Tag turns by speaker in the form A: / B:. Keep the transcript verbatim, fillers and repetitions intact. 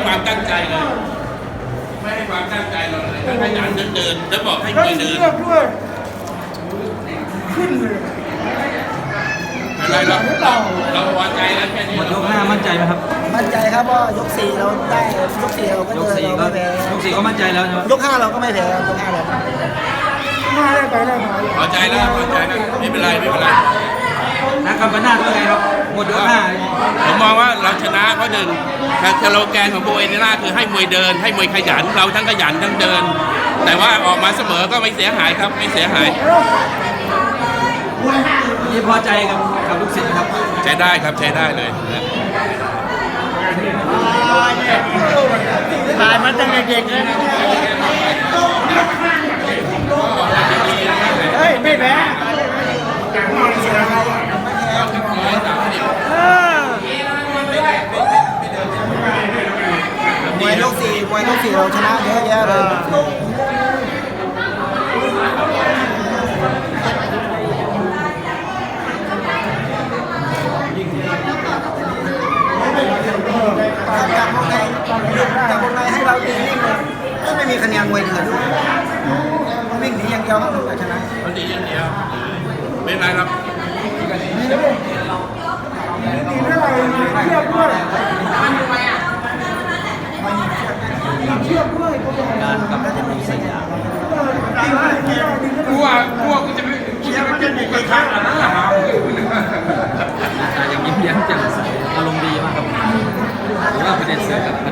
A: ความตั้งใจเลยไม่ให้ความตั้งใจเราเลยถ้าขยันเดินแล้วบอกให้มวยเดิน
B: ขึ้นเลย
A: อะไรเราเราเราพอใจแล้วแค่นี้
C: หมดยกห้ามั่นใจไหมครับ
D: มั่นใจครับว่ายกสี่เราได้ยกสี่เราก็
C: ยก
D: เดิน
C: สี่
D: เรา
C: ก็
D: ไม่แพ้
C: ยกสี่ก็มั่นใจแล้วใช่ไหม
D: ยกห้าเราก็ไม่แพ้ครับยกห้าเราห้าได้ไปได้มา
A: พอใจแล้วพอใจแล้วไม่เป็นไรไม่เป็นไร
C: นักกำปั้นหน้าเป็นไงครับหมดยกห้า
A: ผมมองว่าเราชนะเพราะหนึ่งสโลแกนของโบเอเนล่าคือให้มวยเดินให้มวยขยันเราทั้งขยันทั้งเดิน แต่ว่าออกมาเสมอก็ไม่เสียหายครับไม่เสียหาย
C: นี่พอใจกับกับลูกศิษย์ครับ
A: ใช้ได้ครับใช้ได้เลยนะ
D: ถ่ายมาตั้งแต่เด็กเลยเฮ้ยไม่แพ้มวยยกสี่มวยยกสี่เราชนะเยอะแยะเลยจากวงในจากวงในให้เราตีนิ่งเลยไม่มีคะแนนมวยเดือดด้วยมันวิ่งหนีอย่างเดียวมันถึงจะชนะ
A: มันดีอย่างเดียวไม่เป็นไรครับ
B: ดีเท่าไหร่เทียบด้วยเทียบด้วย
C: การกับจะมีสัญญา
A: พวกพวกจะไม่จะไม่จะบุกกระทะนะ
C: ยังยิ้มแย้มแจ่มใสอารมณ์ดีมากครับหรือว่าประเด็นเสือกับ